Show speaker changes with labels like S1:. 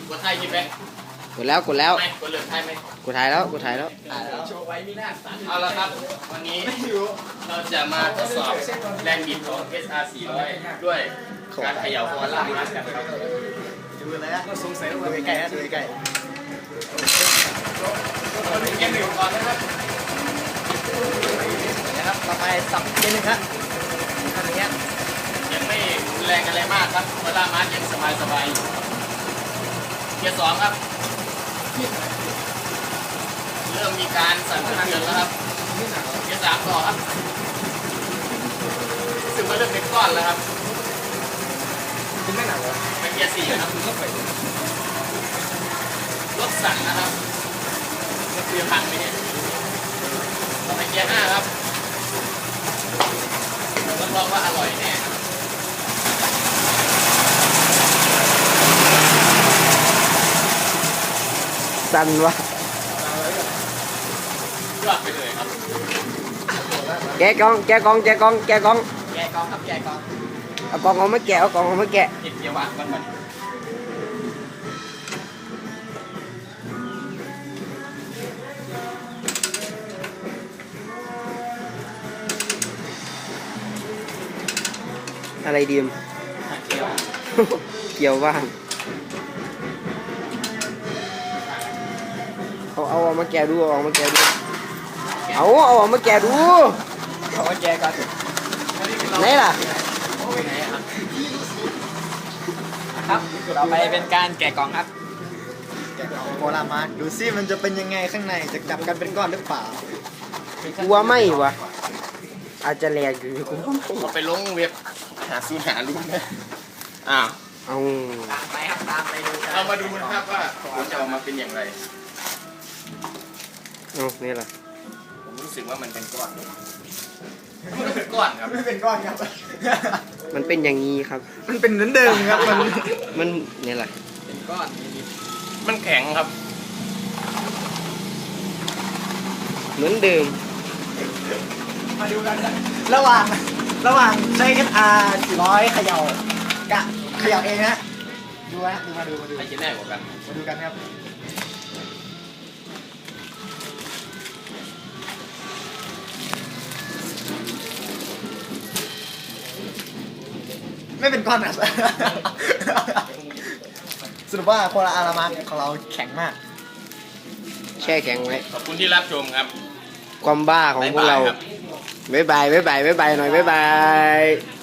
S1: กดไทยใช่ไหม
S2: กดแล้ว
S1: กดเหลืองไทยไหม
S2: กูถ่ายแล้วกูถ่ายแล้ว
S1: โชว์ไว้มีหน้าสันเอาละครับวันนี้เราจะมาทดสอบแรงบิดของ SR 400ด้วยการเขย่าคอล่างนัดกันครับ
S3: ดูเลยฮะสงสัยว่าดูใกล้ๆฮะดูใกล้
S1: เกมหนึ่งก่อนนะครับ
S3: ๆนะครับต่อไปสับเกมหนึ่งครับทำอย่างเงี้ย
S1: ยังไม่แรงอะไรมากครับคอล่างนัดยังสบายอยู่เกียร์สองครับเริ่มมีการสั่นสะเทือนแล้วครับเกียร์สามต่อครับซึ่งมันเริ่มเป็นก้อนแล้วครับ
S3: คุณไม่หนักเหรอ
S1: เป็นเกียร์สี่ครับรถสั่นนะครับรถเกียร์พังไปเนี่ยต่อไปเกียร์ห้าครับรับรองว่าอร่อยแน่ครับ
S2: สั่นวะ
S1: ยอดไปเลยครับ
S2: แกะกล่องแกะกล่องแกะกล่องแกะกล่อง
S1: แกะกองครับแกะกอง
S2: เอากล่องเอามาแกะเอากล่องเอามาแกะ
S1: เกียร์ว่างก่อน
S2: อะไรดีม
S1: เกียร์
S2: เกี่ยวบ้างเอามาแกะดูเอามาแกะดูเอามาแกะดู
S3: ขอแกก่อน
S2: ไหนล่ะ
S1: ไหนครับ
S3: ครับต่อไปเป็นการแกะกล่องครับแกะกล่องโคลามาดูซิมันจะเป็นยังไงข้างในจะจับกันเป็นก้อนหรือเปล่า
S2: กูว่าไม่วะอาจจะแหลกอยู่กูว่าไม่
S1: เราไปลงเว็บหาซูนหาลุ้นนะอ้าว
S2: เอา
S3: ตามไปครับตามไปดูกัน
S1: เรามาดูนะครับว่าผลจะออกมาเป็นอย่างไร
S2: เอานี่ล่ะ
S1: ผมรู้สึกว่ามันเป็นก้อนมันเป็นก้อนครับ
S3: ไม่เป็นก้อนครับ
S2: มันเป็นอย่างนี้ครับ
S3: มันเป็นเหมือนเดิมครับ
S2: มันนี่แหละ
S1: เป็นก้อนนิดๆมันแข็งครับ
S2: เหมือนเดิม
S3: มาดูกันนะระหว่างใช้ SR 400เขย่ากะเขย่าเองนะดูฮะมาดู
S1: ใครจะแน่กว่ากัน
S3: มาดูกันครับไม่เป็นก้อนนะสรุปว่าโคลาอารามาของเราแข็งมาก
S2: แช่แข็งไว้
S1: ขอบคุณที่รับชมครับ
S2: ความบ้าของพวกเรา
S1: บ๊ายบายครับ
S2: บ๊ายบายหน่อยบ๊ายบาย